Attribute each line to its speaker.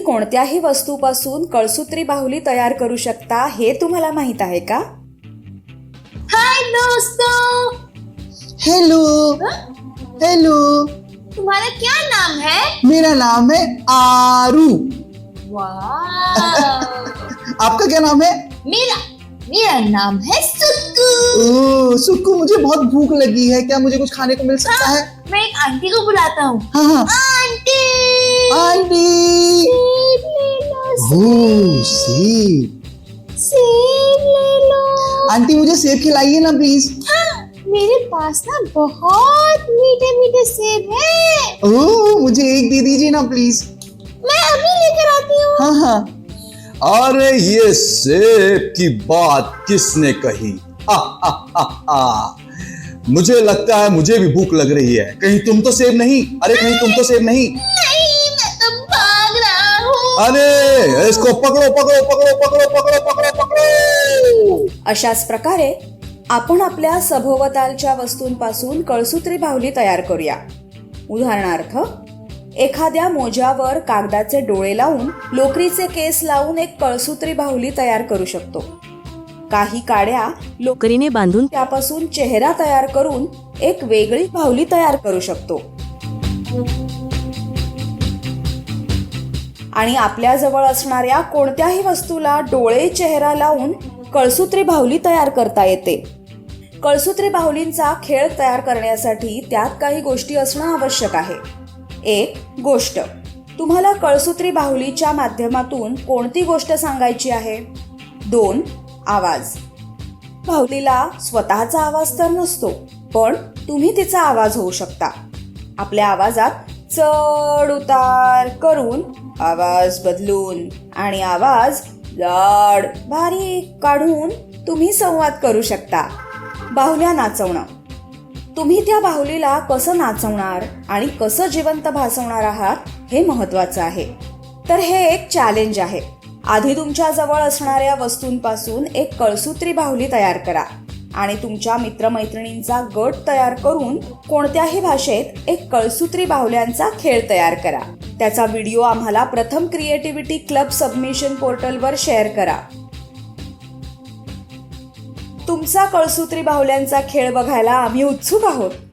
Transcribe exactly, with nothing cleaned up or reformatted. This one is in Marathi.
Speaker 1: कोणत्याही वस्तूपासून कळसूत्री बाहुली तयार करू शकता हे तुम्हाला माहित आहे का?
Speaker 2: हाय दोस्तों।
Speaker 3: हेलो हेलो,
Speaker 2: तुम्हारा क्या नाम है?
Speaker 3: मेरा नाम है आरू।
Speaker 2: वाह।
Speaker 3: आपका क्या नाम है?
Speaker 2: मेरा मेरा नाम है सुक्कू।
Speaker 3: ओह सुक्कू, मुझे बहुत भूख लगी है, क्या मुझे कुछ खाने को मिल सकता है?
Speaker 2: मैं एक आंटी को बुलाता हूँ।
Speaker 3: हाँ हाँ।
Speaker 2: Aunty
Speaker 3: aunty.
Speaker 2: सेब ले लो।
Speaker 3: ओह सेब।
Speaker 2: सेब ले लो।
Speaker 3: आंटी मुझे सेब खिलाइए ना प्लीज।
Speaker 2: हाँ, मेरे पास ना बहुत मीठे मीठे सेब हैं।
Speaker 3: ओह मुझे एक दे दीजिए ना प्लीज।
Speaker 2: मैं अभी लेकर आती हूँ।
Speaker 3: हाँ हाँ।
Speaker 4: अरे ये सेब की बात किसने कही? हा, हा, हा, हा। मुझे लगता है मुझे भी भूख लग रही है। कहीं तुम तो सेब नहीं? अरे कहीं तुम तो सेब नहीं?
Speaker 2: नहीं, मैं तो भाग रहा हूँ।
Speaker 4: अरे इसको पकड़ो पकड़ो पकड़ो पकड़ो पकड़ो पकड़ो पकड़ो।
Speaker 1: अशाच प्रकारे आपण आपल्या सभोवतालच्या वस्तूंपासून कळसूत्री बाहुली तयार करूया. उदाहरणार्थ, एखाद्या मोजावर कागदाचे डोळे लावून लोकरीचे केस लावून एक कळसूत्री बाहुली तयार करू शकतो. काही काड्या लोकरीने बांधून त्यापासून चेहरा तयार करून एक वेगळी बाहुली तयार करू शकतो. आणि आपल्या जवळ असणाऱ्या कोणत्याही वस्तूला डोळे चेहरा लावून कळसूत्री बाहुली तयार करता येते. कळसूत्री बाहुलींचा खेळ तयार करण्यासाठी त्यात काही गोष्टी असणं आवश्यक आहे. एक गोष्ट, तुम्हाला कळसूत्री बाहुलीच्या माध्यमातून कोणती गोष्ट सांगायची आहे? दोन आवाज, बाहुलीला स्वतःचा आवाज तर नसतो, पण तुम्ही तिचा आवाज होऊ शकता. आपल्या आवाजात चढ उतार करून, आवाज बदलून आणि आवाज जाड बारीक काढून तुम्ही संवाद करू शकता. बाहुल्या नाचवणं, तुम्ही त्या बाहुलीला कसं नाचवणार आणि कसं जिवंत भासवणार आहात हे महत्त्वाचं आहे. तर हे एक चॅलेंज आहे. आधी तुमच्या जवळ असणाऱ्या वस्तूंपासून एक कळसूत्री बाहुली तयार करा आणि तुमच्या मित्रमैत्रिणींचा गट तयार करून कोणत्याही भाषेत एक कळसूत्री बाहुल्यांचा खेळ तयार करा. त्याचा व्हिडिओ आम्हाला प्रथम क्रिएटिव्हिटी क्लब सबमिशन पोर्टलवर शेअर करा. तुमचा कळसूत्री बाहुल्यांचा खेळ बघायला आम्ही उत्सुक आहोत.